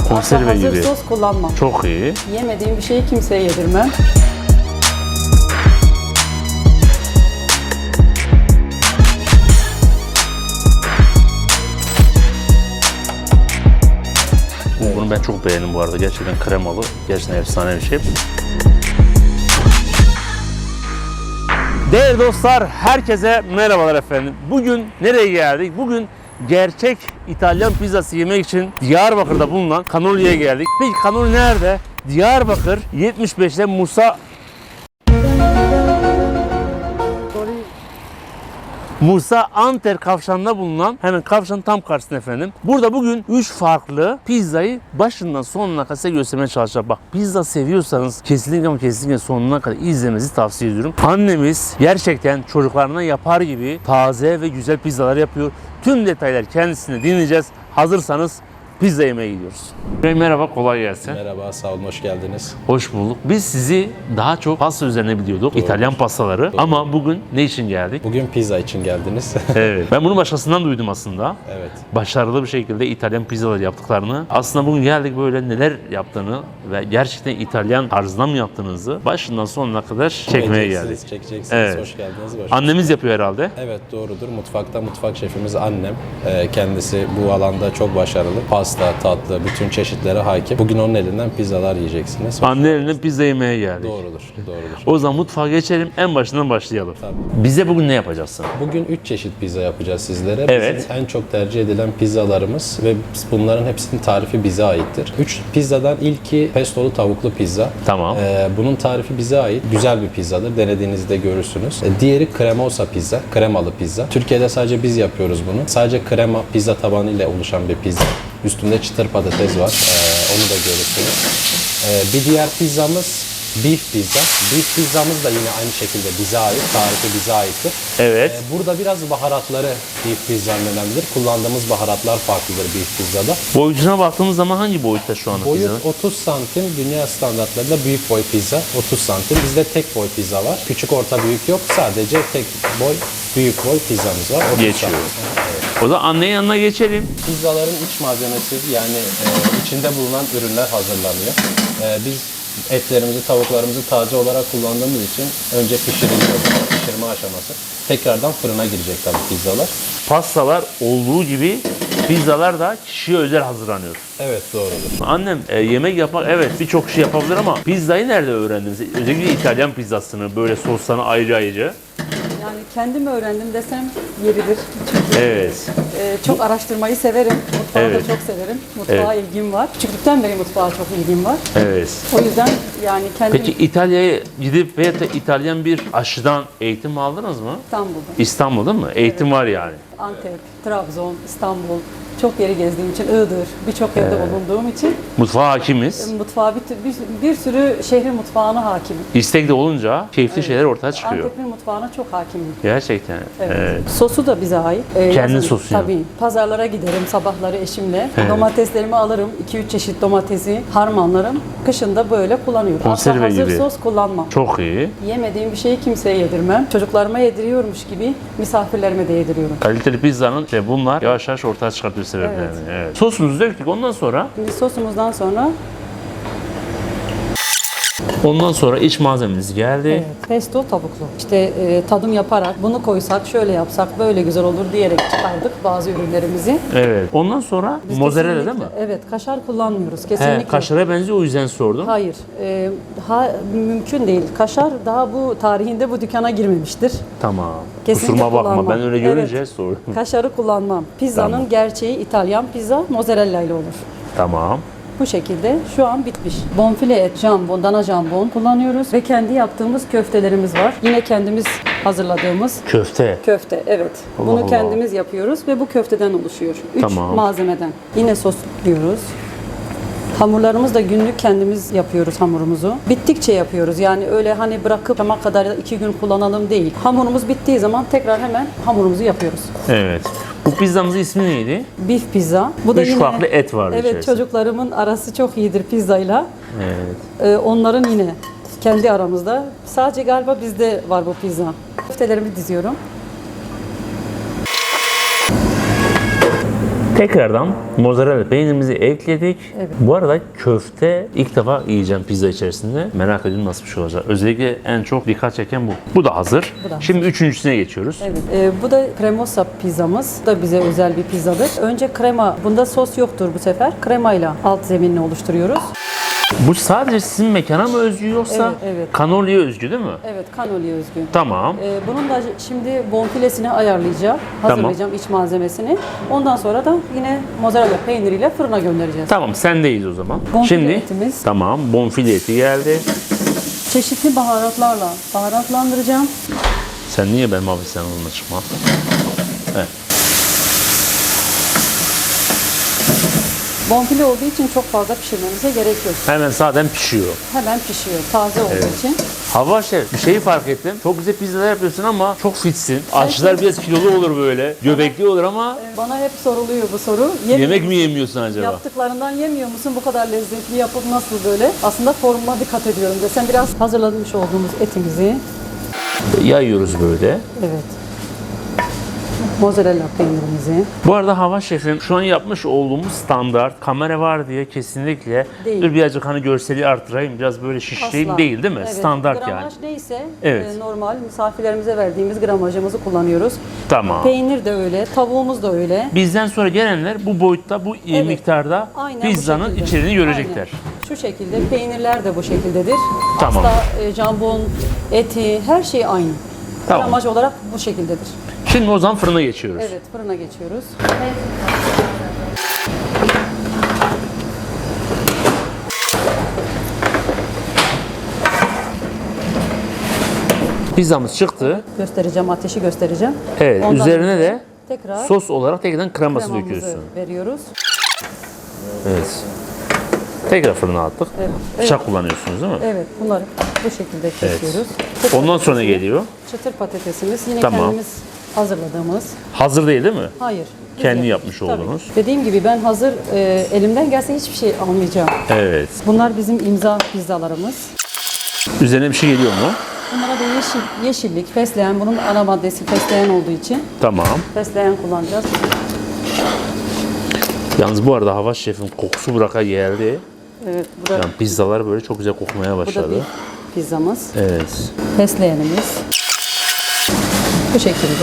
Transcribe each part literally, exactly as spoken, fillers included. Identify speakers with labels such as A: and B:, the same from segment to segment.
A: Konserve
B: hazır
A: gibi.
B: sos kullanmam.
A: Çok iyi.
B: Yemediğim bir şeyi kimseye yedirmem.
A: Bunu ben çok beğendim bu arada. Gerçekten kremalı. Gerçekten efsane bir şey. Değerli dostlar, herkese merhabalar efendim. Bugün nereye geldik? Bugün gerçek İtalyan pizzası yemek için Diyarbakır'da bulunan Canoli'ye geldik. Peki Canoli nerede? Diyarbakır yetmiş beşte Musa Musa Anter kavşağında bulunan, hemen kavşağın tam karşısında efendim. Burada bugün üç farklı pizzayı başından sonuna kadar size göstermeye çalışacağım. Bak, pizza seviyorsanız kesinlikle ama kesinlikle sonuna kadar izlemenizi tavsiye ediyorum. Annemiz gerçekten çocuklarına yapar gibi taze ve güzel pizzalar yapıyor. Tüm detaylar kendisine dinleyeceğiz. Hazırsanız pizza yemeye gidiyoruz. Merhaba, kolay gelsin.
C: Merhaba, sağ olun, hoş geldiniz.
A: Hoş bulduk. Biz sizi daha çok pasta üzerine biliyorduk.
C: Doğru.
A: İtalyan pastaları.
C: Doğru.
A: Ama bugün ne için geldik?
C: Bugün pizza için geldiniz.
A: Evet. Ben bunu başkasından duydum aslında.
C: Evet.
A: Başarılı bir şekilde İtalyan pizzalar yaptıklarını. Aslında bugün geldik böyle neler yaptığını ve gerçekten İtalyan tarzında mı yaptığınızı başından sonuna kadar çekmeye geldik.
C: Çekeceksiniz, çekeceksiniz.
A: Evet.
C: Hoş geldiniz. Hoş
A: Annemiz yapıyor herhalde.
C: Evet, doğrudur. Mutfakta mutfak şefimiz annem. Ee, kendisi bu alanda çok başarılı. Pasta, tatlı, bütün çeşitlere hakim. Bugün onun elinden pizzalar yiyeceksiniz.
A: Anne elinden pizza yemeye geldik.
C: Doğrudur, doğrudur.
A: O zaman mutfağa geçelim. En başından başlayalım.
C: Tabii.
A: Bize bugün ne yapacaksın?
C: Bugün üç çeşit pizza yapacağız sizlere.
A: Evet.
C: Bizim en çok tercih edilen pizzalarımız ve bunların hepsinin tarifi bize aittir. üç pizzadan ilki pestolu tavuklu pizza.
A: Tamam.
C: Ee, bunun tarifi bize ait. Güzel bir pizzadır. Denediğinizde görürsünüz. Ee, diğeri cremosa pizza. Kremalı pizza. Türkiye'de sadece biz yapıyoruz bunu. Sadece krema pizza tabanı ile oluşan bir pizza. Üstünde çıtır patates var. Ee, onu da görürsünüz. Ee, bir diğer pizzamız beef pizza. Beef pizzamız da yine aynı şekilde bize ait. Tarifi bize aittir.
A: Evet.
C: Ee, burada biraz baharatları beef pizzanın önemlidir. Kullandığımız baharatlar farklıdır beef pizzada.
A: Boyutuna baktığımız zaman hangi boyutta şu anda
C: Boyut
A: pizza?
C: otuz santim, dünya standartlarında büyük boy pizza otuz santim. Bizde tek boy pizza var. Küçük, orta, büyük yok. Sadece tek boy, büyük boy pizzamız var. otuz
A: Geçiyor.
C: santim. Evet.
A: O da annenin yanına geçelim.
C: Pizzaların iç malzemesi, yani e, içinde bulunan ürünler hazırlanıyor. E, biz etlerimizi, tavuklarımızı taze olarak kullandığımız için önce pişiriliyor. Pişirme aşaması. Tekrardan fırına girecek tabii pizzalar.
A: Pastalar olduğu gibi pizzalar da kişiye özel hazırlanıyor.
C: Evet, doğrudur.
A: Annem e, yemek yapmak, evet, birçok şey yapabilir ama pizzayı nerede öğrendiniz? Özellikle İtalyan pizzasını, böyle soslarını ayrı ayrı.
B: Yani kendim öğrendim desem yeridir. Çünkü
A: Evet.
B: e, çok araştırmayı severim. Mutfağı
A: Evet.
B: da çok severim. Mutfağa ilgim var. Küçüklükten beri mutfağa çok ilgim var.
A: Evet.
B: O yüzden yani kendim
A: Peki İtalya'ya gidip veya da İtalyan bir aşçıdan eğitim aldınız mı?
B: İstanbul'da,
A: İstanbul'da mı? Eğitim var yani.
B: Antep, Trabzon, İstanbul çok yeri gezdiğim için, Iğdır, birçok yerde bulunduğum için
A: Mutfağa hakimiz.
B: mutfağa bir, bir, bir sürü şehrin mutfağına hakimim.
A: İstek de olunca keyifli şeyler ortaya çıkıyor.
B: Antep'in mutfağına çok hakimim.
A: Gerçekten.
B: Evet.
A: Evet.
B: Sosu da bize ait. Ee,
A: Kendi
B: yazın-
A: sosu yani.
B: Tabii. Pazarlara giderim sabahları eşimle.
A: Evet.
B: Domateslerimi alırım. iki üç çeşit domatesi harmanlarım. Kışın da böyle kullanıyorum.
A: Konserve
B: Asla hazır
A: gibi.
B: sos kullanmam.
A: Çok iyi.
B: Yemediğim bir şeyi kimseye yedirmem. Çocuklarıma yediriyormuş gibi misafirlerime de yediriyorum.
A: Kaliteli pizzanın işte bunlar yavaş yavaş ortaya çıkartıyor sebeplerini.
B: Evet.
A: Evet. Sosumuzu döktük. Ondan sonra
B: Şimdi sosumuzdan sonra
A: ondan sonra iç malzememiz geldi.
B: evet, pesto tavuklu. İşte e, tadım yaparak bunu koysak, şöyle yapsak böyle güzel olur diyerek çıkardık bazı ürünlerimizi.
A: Evet. Ondan sonra
B: Biz
A: mozzarella değil
B: kesinlikle-
A: mi?
B: Evet, kaşar kullanmıyoruz kesinlikle.
A: He, kaşara benziyor, o yüzden sordum.
B: Hayır, e, ha, mümkün değil. Kaşar daha bu tarihinde bu dükkana girmemiştir.
A: Tamam.
B: Kesinlikle
A: Kusuruma bakma,
B: kullanmam.
A: ben öyle görünce
B: Evet.
A: sordum.
B: Kaşarı kullanmam. Pizzanın
A: Tamam.
B: gerçeği İtalyan pizza mozzarella ile olur.
A: Tamam.
B: Bu şekilde şu an bitmiş. Bonfile et, jambon, dana jambon kullanıyoruz ve kendi yaptığımız köftelerimiz var. Yine kendimiz hazırladığımız
A: Köfte.
B: köfte, evet.
A: Allah
B: Bunu
A: Allah.
B: kendimiz yapıyoruz ve bu köfteden oluşuyor. Üç
A: Tamam.
B: malzemeden. Yine sosluyoruz. Hamurlarımız da günlük kendimiz yapıyoruz hamurumuzu. Bittikçe yapıyoruz. Yani öyle hani bırakıp akşama kadar ya da iki gün kullanalım değil. Hamurumuz bittiği zaman tekrar hemen hamurumuzu yapıyoruz.
A: Evet. Bu pizzamızın ismi neydi?
B: Beef pizza. Bu da
A: Üç
B: yine
A: farklı et vardı
B: Evet,
A: içerisinde.
B: çocuklarımın arası çok iyidir pizzayla.
A: Evet.
B: Ee, onların yine kendi aramızda. Sadece galiba bizde var bu pizza. Köftelerimi diziyorum.
A: Tekrardan mozzarella peynirimizi ekledik.
B: Evet.
A: Bu arada köfte ilk defa yiyeceğim pizza içerisinde. Merak ediyorum nasıl bir şey olacak. Özellikle en çok dikkat çeken bu. Bu da hazır.
B: Bu da hazır.
A: Şimdi üçüncüsüne geçiyoruz.
B: Evet, e, bu da cremosa pizzamız. Bu da bize özel bir pizzadır. Önce krema, bunda sos yoktur bu sefer. Kremayla alt zeminini oluşturuyoruz.
A: Bu sadece sizin mekana mı özgü yoksa
B: Evet, evet.
A: Canoli'ye özgü değil mi?
B: Evet, kanoliye özgü.
A: Tamam.
B: E, bunun da şimdi bonfilesini ayarlayacağım, hazırlayacağım iç malzemesini. Ondan sonra da yine mozzarella peyniriyle fırına göndereceğiz.
A: Tamam sendeyiz o zaman.
B: Bonfile
A: Şimdi
B: etimiz.
A: tamam bonfile eti geldi.
B: Çeşitli baharatlarla baharatlandıracağım.
A: Sen niye benim abi sen onunla çıkma? Evet.
B: Bonfile olduğu için çok fazla pişirmemize gerek yok.
A: Hemen zaten pişiyor.
B: Hemen pişiyor, taze olduğu için.
A: Hava şef bir şeyi fark ettim. Çok güzel pizzalar yapıyorsun ama çok fitsin. Aşçılar biraz kilolu olur böyle. Göbekli olur ama
B: Bana hep soruluyor bu soru. Yemiyor
A: yemek
B: musun?
A: mi yemiyorsun acaba?
B: Yaptıklarından yemiyor musun? Bu kadar lezzetli yapıp nasıl böyle? Aslında formuma dikkat ediyorum desem biraz hazırlamış olduğumuz etimizi.
A: Yayıyoruz böyle.
B: Evet. Mozzarella peynirimizi.
A: Bu arada Hava şefim şu an yapmış olduğumuz standart kamera var diye kesinlikle
B: Değil.
A: dur birazcık hani görseli artırayım biraz böyle şişireyim
B: Asla.
A: değil değil mi?
B: Evet,
A: Standart
B: gramaj
A: yani.
B: neyse
A: Evet.
B: e, normal misafirlerimize verdiğimiz gramajımızı kullanıyoruz.
A: Tamam.
B: Peynir de öyle, tavuğumuz da öyle.
A: Bizden sonra gelenler bu boyutta bu
B: Evet.
A: miktarda
B: Aynen bu
A: pizzanın
B: şekilde.
A: içeriğini görecekler.
B: Aynen. Şu şekilde peynirler de bu şekildedir.
A: Tamam.
B: Hasta, e, jambon, eti her şey aynı.
A: Tamam.
B: Gramaj olarak bu şekildedir.
A: Şimdi o zaman fırına geçiyoruz.
B: Evet, fırına geçiyoruz.
A: Pizzamız çıktı.
B: Göstereceğim, ateşi göstereceğim.
A: Evet,
B: Ondan
A: üzerine
B: önce
A: de
B: tekrar
A: sos olarak tekrardan kreması
B: kremamızı
A: döküyorsun.
B: veriyoruz.
A: Evet. Tekrar fırına attık.
B: Evet.
A: Bıçak kullanıyorsunuz değil mi?
B: Evet, bunları bu şekilde kesiyoruz. Çıtır
A: Ondan sonra ne
B: patatesimiz-
A: geliyor?
B: Çıtır patatesimiz yine
A: Tamam.
B: kendimiz hazırladığımız.
A: Hazır değil değil mi?
B: Hayır. biz
A: Kendi
B: yapıyoruz.
A: yapmış
B: Tabii.
A: olduğunuz.
B: Dediğim gibi ben hazır e, elimden gelse hiçbir şey almayacağım.
A: Evet.
B: Bunlar bizim imza pizzalarımız.
A: Üzerine bir şey geliyor mu?
B: Bunlara da yeşil, yeşillik, fesleğen. Bunun ana maddesi fesleğen olduğu için
A: Tamam.
B: fesleğen kullanacağız.
A: Yalnız bu arada Hava şefin kokusu buraka geldi.
B: Evet, bu da,
A: Yani pizzalar böyle çok güzel kokmaya
B: bu da
A: başladı.
B: bir pizzamız.
A: Evet.
B: Fesleğenimiz. Bu şekilde.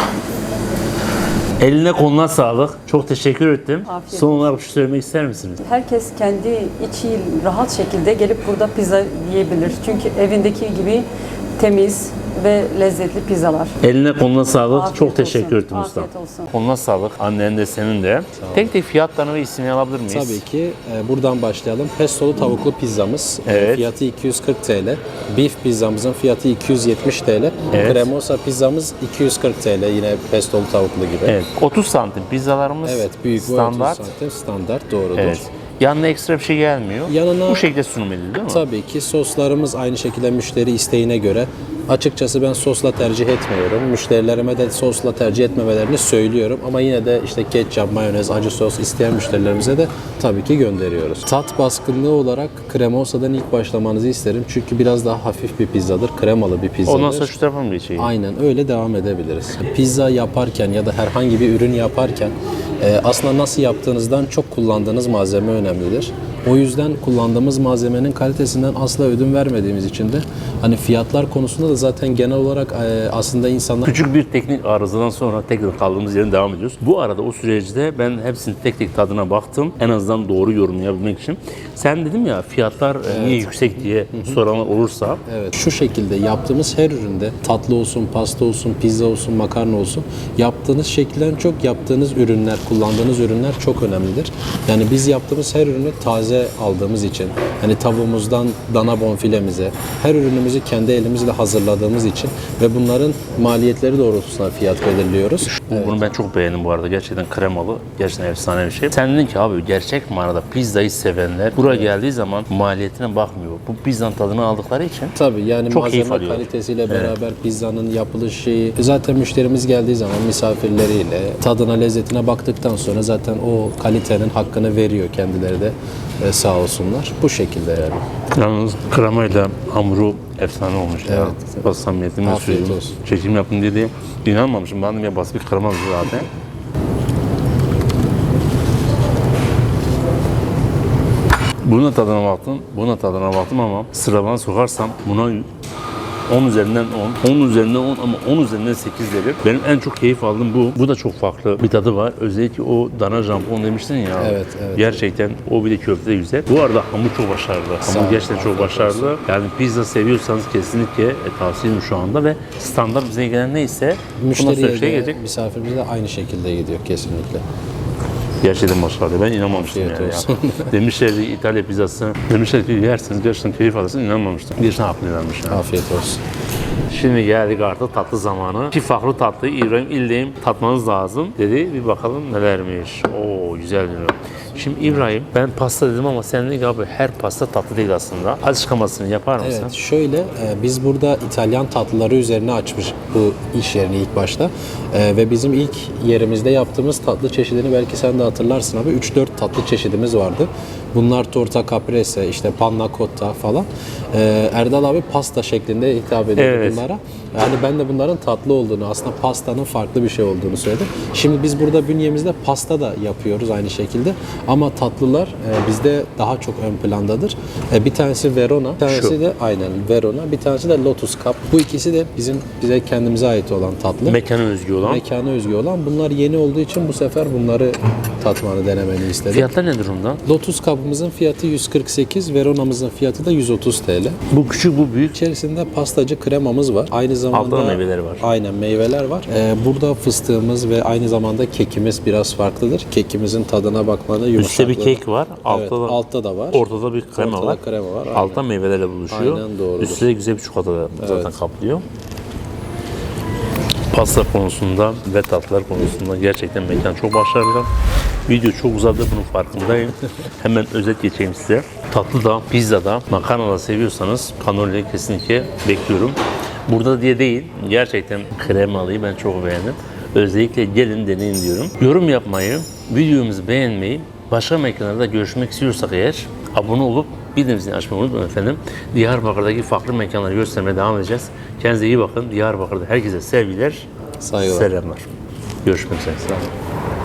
A: Eline koluna sağlık. Çok teşekkür ettim.
B: Afiyet
A: Son olarak bir şey söylemek ister misiniz?
B: Herkes kendi içi rahat şekilde gelip burada pizza yiyebilir. Çünkü evindeki gibi temiz ve lezzetli pizzalar.
A: Eline koluna sağlık.
B: Afiyet
A: Çok
B: olsun.
A: teşekkür ettim usta.
B: Afiyet olsun.
A: Koluna sağlık. Annen de senin de. Tek tek fiyatlarını ve ismini alabilir miyiz?
C: Tabii ki. E, buradan başlayalım. Pestolu tavuklu pizzamız. E,
A: Evet.
C: Fiyatı iki yüz kırk TL. Beef pizzamızın fiyatı iki yüz yetmiş TL.
A: Evet.
C: Cremosa pizzamız iki yüz kırk TL. Yine pestolu tavuklu gibi.
A: Evet. otuz santim pizzalarımız
C: Evet, büyük boy
A: standart.
C: otuz santim standart doğrudur.
A: Evet. Yanına ekstra bir şey gelmiyor.
C: Yanına-
A: Bu şekilde sunum edildi değil mi?
C: Tabii ki soslarımız aynı şekilde müşteri isteğine göre. Açıkçası ben sosla tercih etmiyorum. Müşterilerime de sosla tercih etmemelerini söylüyorum. Ama yine de işte ketçap, mayonez, acı sos isteyen müşterilerimize de tabii ki gönderiyoruz. Tat baskınlığı olarak Cremosa'dan ilk başlamanızı isterim. Çünkü biraz daha hafif bir pizzadır. Kremalı bir pizzadır.
A: Ondan sonra şu tarafa mı geçeyim?
C: Aynen öyle devam edebiliriz. Pizza yaparken ya da herhangi bir ürün yaparken e, aslında nasıl yaptığınızdan çok kullandığınız malzeme önemlidir. O yüzden kullandığımız malzemenin kalitesinden asla ödün vermediğimiz için de hani fiyatlar konusunda da zaten genel olarak e, aslında insanlar
A: Küçük bir teknik arızadan sonra tekrar kaldığımız yerden devam ediyoruz. Bu arada o süreçte ben hepsinin tek tek tadına baktım. En azından doğru yorum yapabilmek için. Sen dedim ya fiyatlar e, niye yüksek diye soranlar olursa.
C: Evet, şu şekilde yaptığımız her üründe tatlı olsun, pasta olsun, pizza olsun, makarna olsun yaptığınız şekilden çok yaptığınız ürünler, kullandığınız ürünler çok önemlidir. Yani biz yaptığımız her ürünü taze aldığımız için hani tavuğumuzdan dana bonfilemize her ürünümüzü kendi elimizle hazırladığımız için ve bunların maliyetleri doğrultusunda fiyat belirliyoruz.
A: Bu- Bunu ben çok beğendim bu arada. Gerçekten kremalı. Gerçekten efsane bir şey. Sen dedin ki abi gerçek manada pizzayı sevenler buraya geldiği zaman maliyetine bakmıyor. Bu pizzanın tadını aldıkları için
C: Tabii yani
A: Çok keyif
C: malzeme
A: alıyor.
C: kalitesiyle beraber pizzanın yapılış şeyi zaten müşterimiz geldiği zaman misafirleriyle tadına lezzetine baktıktan sonra zaten o kalitenin hakkını veriyor kendileri de e, sağ olsunlar. Bu şekilde yani.
A: yalnız kremayla hamuru efsane olmuş ya.
C: Evet.
A: Bak samimiyetimle
C: Afiyet
A: söyleyeyim.
C: olsun.
A: Çekim yaptım dedi. İnanmamışım. Ben de ya basit bir krema zaten. Buna tadına baktım, buna tadına baktım ama sıralama sokarsam buna on üzerinden on, on üzerinden on ama on üzerinden sekiz derim. Benim en çok keyif aldığım bu. Bu da çok farklı bir tadı var. Özellikle o dana jampon demiştin ya.
C: Evet, evet.
A: Gerçekten o bir de köfte de güzel. Bu arada hamur çok başarılı.
C: Sağ
A: Hamur
C: olun,
A: gerçekten çok
C: afiyet
A: başarılı. Yani pizza seviyorsanız kesinlikle e, tavsiyem şu anda ve standart bize gelen neyse bundan sonra
C: Müşteriye
A: şey
C: de,
A: gelecek.
C: misafirimize de aynı şekilde gidiyor kesinlikle.
A: Gerçekten başarılı. Ben inanmamıştım
C: Afiyet
A: yani.
C: olsun.
A: Ya. Demişlerdi İtalya pizzası. Demişler ki yersiniz gerçekten keyif alırsınız. İnanmamıştım. Bir haklılarmış yani.
C: Afiyet olsun.
A: Şimdi geldik artık tatlı zamanı. İki farklı tatlıyı İbrahim İldeyim tatmanız lazım dedi. Bir bakalım nelermiş. Oo güzel diyor. Şimdi İbrahim ben pasta dedim ama sen dedin ki abi her pasta tatlı değil aslında. Açıklamasını yapar mısın?
C: Evet, şöyle e, biz burada İtalyan tatlıları üzerine açmış bu iş yerini ilk başta. E, ve bizim ilk yerimizde yaptığımız tatlı çeşidini belki sen de hatırlarsın abi. üç dört tatlı çeşidimiz vardı. Bunlar torta caprese, işte panna cotta falan. E, Erdal abi pasta şeklinde hitap ediyor
A: Evet.
C: bunlara. Yani ben de bunların tatlı olduğunu, aslında pastanın farklı bir şey olduğunu söyledim. Şimdi biz burada bünyemizde pasta da yapıyoruz aynı şekilde. Ama tatlılar e, bizde daha çok ön plandadır. E, bir tanesi Verona, bir tanesi
A: Şu.
C: de aynen Verona, bir tanesi de Lotus Cup. Bu ikisi de bizim bize kendimize ait olan tatlı.
A: Mekana özgü olan.
C: Mekana özgü olan. Bunlar yeni olduğu için bu sefer bunları tatmanı denemeni istedim.
A: Fiyatlar ne durumda?
C: Lotus Cup'ımızın fiyatı yüz kırk sekiz, Verona'mızın fiyatı da yüz otuz T L.
A: Bu küçük bu büyük.
C: İçerisinde pastacı kremamız var. Aynı zamanda
A: Altta da meyveleri var.
C: Aynen meyveler var. Ee, burada fıstığımız ve aynı zamanda kekimiz biraz farklıdır. Kekimizin tadına bakmanı
A: Üstte
C: yumuşaklığı.
A: bir kek var. Altta
C: Evet,
A: da,
C: altta da var.
A: ortada bir krema
C: Ortada
A: var.
C: krema var, aynen.
A: Altta meyvelerle buluşuyor.
C: Aynen, doğrudur.
A: Üstte de güzel bir çikolata zaten kaplıyor. Pasta konusunda ve tatlılar konusunda gerçekten mekan çok başarılı. Video çok uzadı, bunun farkındayım. Hemen özet geçeyim size. Tatlı da, pizza da, makarna da seviyorsanız Cannoli'yi kesinlikle bekliyorum. Burada diye değil, gerçekten kremalıyı ben çok beğendim. Özellikle gelin deneyin diyorum. Yorum yapmayı, videomuzu beğenmeyi, başka mekanlarda görüşmek istiyorsak eğer abone olup bildirimini açmayı unutmayın efendim. Diyarbakır'daki farklı mekanları göstermeye devam edeceğiz. Kendinize iyi bakın. Diyarbakır'da herkese sevgiler,
C: Saygılar.
A: selamlar. Görüşmek üzere. Sağ olun.